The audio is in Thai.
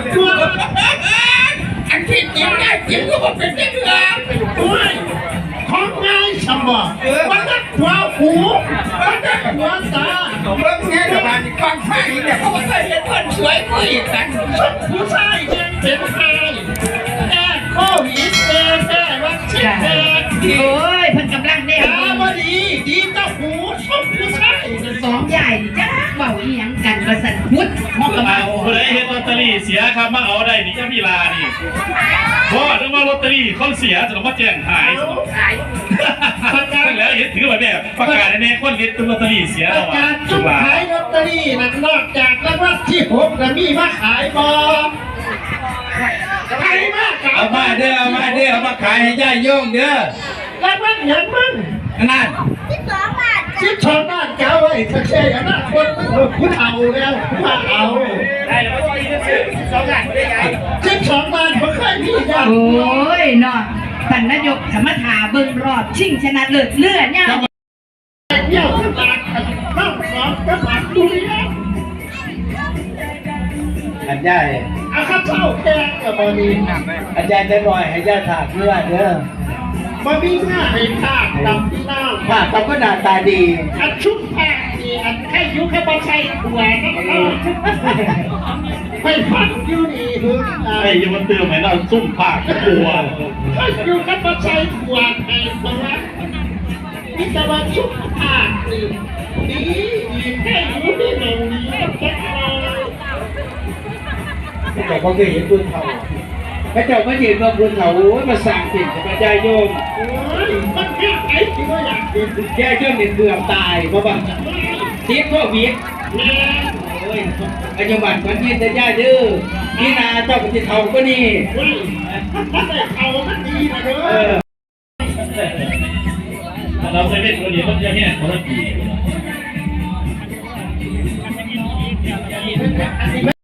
ตัวอันที่เจียงได้เจียงก็บอกเป็นเรื่องด้วยของง่ายสมบัติมันก็หัวหูมันก็หัวตาเรื่องนี้สบายกองไฟเนี่ยเขาบอกว่าเป็นคนสวยผู้หญิงกันผู้ชายยังเป็นใครแค่โควิดแค่วัคซีนโอ้ยเพิ่นกำลังได้ตาบดีดีก็หูชอบผู้ชายสองใหญ่จ้าเบาอีหยังกันประสันพุทธมอกกระเบาคนไหนเห็นลอตเตอรี่เสียครับมาเอาได้นี่จะมีลานี่เพราะนึกว่าลอตเตอรี่เขาเสียจะต้องมาแจ้งหายแล้วเห็นถือไว้แบบประกาศในคนเห็นลอตเตอรี่เสียแล้วการจุดขายลอตเตอรี่นั้นนอกจากรางวัลที่6จะมีมาขายบ่ขายมาขายเอามาเด้อเอามาขายให้ย่าโยงเด้อรางวัลอย่างมึงนั่น 12 บาทเจ้าไอ้ตะเชียนะคนผู้เฒ่าแล้วมาเอาได้แล้วก็ซื้อ12 บาทไม่ได้ไง 12 บาทผมเคยมีกันโอ้ยเนาะท่านนายกสมถาเบิ่งรอบชิงชนะเลิศเลือดเนี่ยเดี่ยวตลาดน้องสองก็มาดูแล้วอันย่าเอาข้าวเช่าแกงกับบะหมี่อาจารย์จะหน่อยให้ย่าถากเพื่อเด้อบะหมี่หน้าให้ภาคดำที่หน้าภาคก็หน้าตาดีอันชุบแป้งนี่อันแค่ยุคแค่บะไส้ถั่วนะไม่พักอยู่นี่ถึงไอ้ยังมันเติมให้เราซุ่มผักตัวถ้าอยู่แค่บะไส้ถั่วไอ้ตัวนี่จะมาชุบผักนี่ดีแค่อยู่ที่ตรงนี้แค่แต่เขาเคยเห็นคุณเขาพระเจ้าก็ยืนว่าคุณเขามาสั่งสิ่งกับพระเจ้าโยมมันแค่ไอ้ที่ว่าอยากกินแค่เครื่องเกือบตายเพราะว่าเทียบพวกวิทย์โอ้ยปัจจุบันคนนี้จะย่าดื้อนี่นาเจ้าปฏิเทาก็นี่เขามันดีนะเด้อเราเคยเป็นคนเดียวมันจะแห้งคนละปี